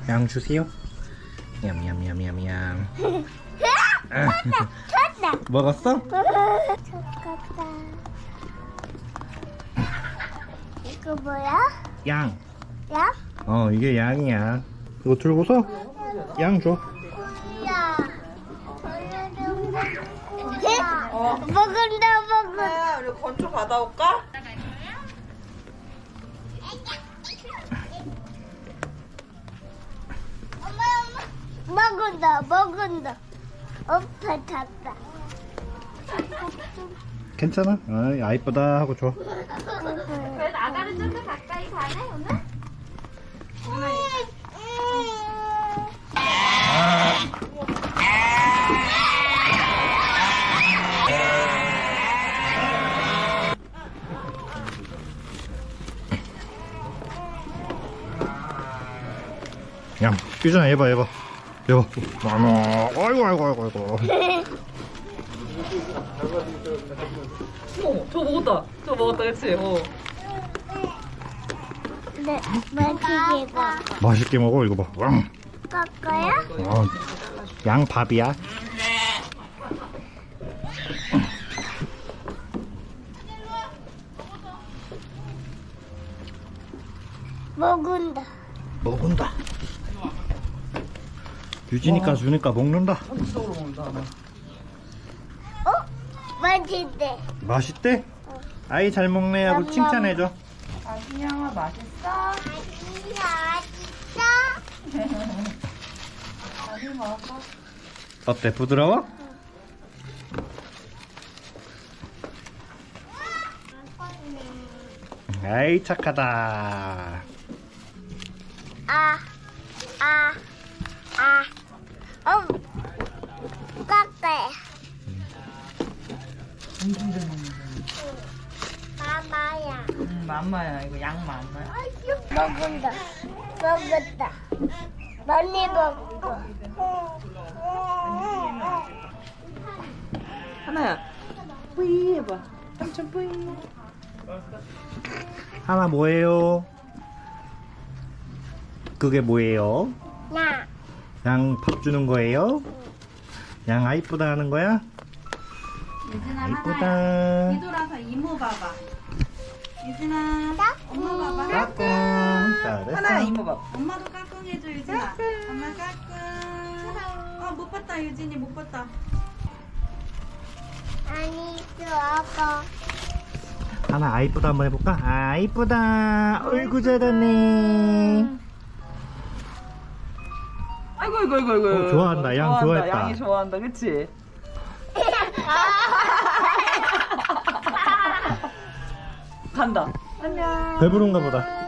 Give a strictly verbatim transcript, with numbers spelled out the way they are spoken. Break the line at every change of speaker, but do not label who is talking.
양 주세요. 냠냠냠냠냠.
쳤다.
먹었어?
쳤다. 이거 뭐야?
양.
야?
어, 이게 양이야. 이거 들고서 양 줘.
야.
어.
먹은다 먹은.
아, 우리 건초 받아올까?
먹은다 먹은다. 엄청 탔다.
괜찮아? 아, 아이쁘다 하고 줘.
그래도 아가는 좀 더 가까이 가네 오늘?
양, 유준아 해봐 해봐. 해봐. 어머, 아이고 아이고 아이고 아이고.
어, 저 먹었다. 저 먹었다, 그치? 어.
네, 맛있게 봐.
맛있게 먹어 이거 봐. 왕.
깎아요?
어, 양밥이야.
먹은다.
먹은다. 유진이가 주니까 먹는다.
이쪽으로 먹는다.
어? 맛있대.
맛있대? 아이 잘 먹네 하고 칭찬해줘.
아기냥아, 맛있어?
맛있어.
아기 먹어.
어때? 부드러워? 아이 착하다.
아, 아, 아. 어, 깎아요.
엄청 잘 먹는다.
마마야.
음, 맘마야. 이거 양 맘마야.
먹은다. 먹었다. 많이 먹고.
하나야. 뿌이 해봐. 삼촌 뿌이.
하나 뭐예요? 그게 뭐예요?
나.
양 밥 주는 거예요? 양 아이쁘다 하는 거야?
유진아
아이쁘다.
하나야 뒤돌아서 이모 봐봐. 유진아 엄마 봐봐.
까꿍. 잘했어.
하나야, 이모밥.
엄마도 까꿍 해줘 유진아. 엄마 까꿍. 어못 봤다 유진이 못 봤다.
아니, 좋아가.
하나 아이쁘다 한번 해볼까? 아이쁘다. 어이구 잘하네.
아이고, 아이고, 아이고, 아이고.
어, 좋아한다. 양 좋아했다.
양이 좋아한다, 그치? 간다. 안녕.
배부른가 보다.